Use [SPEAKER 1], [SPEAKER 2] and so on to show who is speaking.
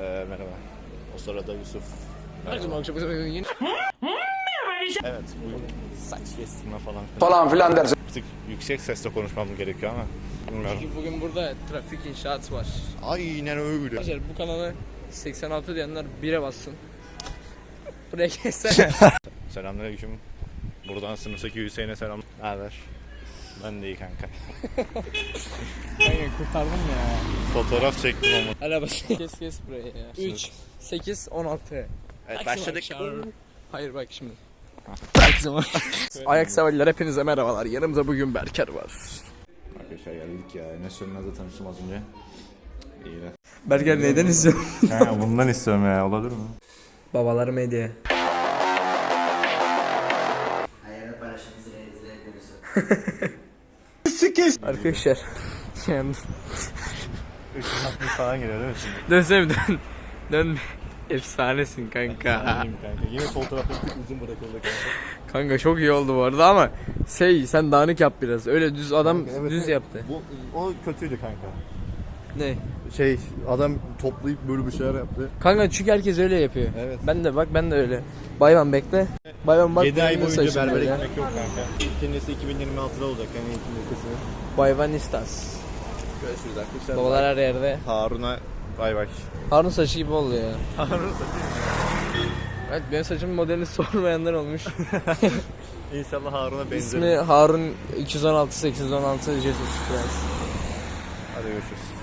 [SPEAKER 1] Merhaba. O sırada Yusuf. Evet, bugün saç kestirme falan
[SPEAKER 2] filan dersin.
[SPEAKER 1] bir tık yüksek sesle konuşmam gerekiyor ama bilmiyorum.
[SPEAKER 3] Çünkü bugün burada trafik inşaat var.
[SPEAKER 1] Aynen öyle.
[SPEAKER 3] Arkadaşlar bu kanalı 86 diyenler 1'e bassın. Buraya geçsene.
[SPEAKER 1] Selamünaleyküm. Buradan sınıftaki Hüseyin'e selam. Ne haber? Ben de iyi kanka.
[SPEAKER 3] Kanka kurtardım ya.
[SPEAKER 1] Fotoğraf çektim ama.
[SPEAKER 3] Hala bak. Kes buraya ya. 3, 8, 16.
[SPEAKER 1] Evet, başladık.
[SPEAKER 3] Hayır bak şimdi. Herkese Ayak severler hepinize merhabalar. Yanımızda bugün Berker var.
[SPEAKER 1] Arkadaşlar geldik ya. Enes Sönmez'le tanıştım az önce. İyi de.
[SPEAKER 3] Berker neyden izliyor?
[SPEAKER 1] Bundan istiyorum ya. Olabilir mi?
[SPEAKER 3] Babalar medya.
[SPEAKER 4] Hayalini paylaşın izleyebiliyorsun.
[SPEAKER 3] Arkadaşlar. Yani
[SPEAKER 1] 360 falan geliyor değil mi şimdi?
[SPEAKER 3] dönsene bir dön. Dön. Efsanesin kanka.
[SPEAKER 1] Anlayayım kanka. Yine fotoğrafı uzun bırakıldı kanka.
[SPEAKER 3] Kanka çok iyi oldu bu arada ama sen dağınık yap biraz. Öyle düz adam
[SPEAKER 1] Evet,
[SPEAKER 3] düz yaptı.
[SPEAKER 1] O kötüydü kanka.
[SPEAKER 3] Ne?
[SPEAKER 1] Adam toplayıp böyle bir şeyler yaptı.
[SPEAKER 3] Kanka çünkü herkes öyle yapıyor.
[SPEAKER 1] Evet.
[SPEAKER 3] Ben de öyle. Bayvan bekle. Bayvan bak.
[SPEAKER 1] 7 ay
[SPEAKER 3] benim
[SPEAKER 1] boyunca
[SPEAKER 3] saçım
[SPEAKER 1] berbere
[SPEAKER 3] böyle.
[SPEAKER 1] gitmek yok kanka. İkincisi 2026'da olacak yani ikincisi.
[SPEAKER 3] Bayvanistas.
[SPEAKER 1] Görüşürüz arkadaşlar.
[SPEAKER 3] Babalar her yerde.
[SPEAKER 1] Harun'a bay bay.
[SPEAKER 3] Harun saçı gibi oldu ya.
[SPEAKER 1] Harun saçı.
[SPEAKER 3] Evet benim saçımın modelini sormayanlar olmuş.
[SPEAKER 1] İnşallah Harun'a benzer.
[SPEAKER 3] İsmi Harun 216 816 Jesus Christ.
[SPEAKER 1] Hadi görüşürüz.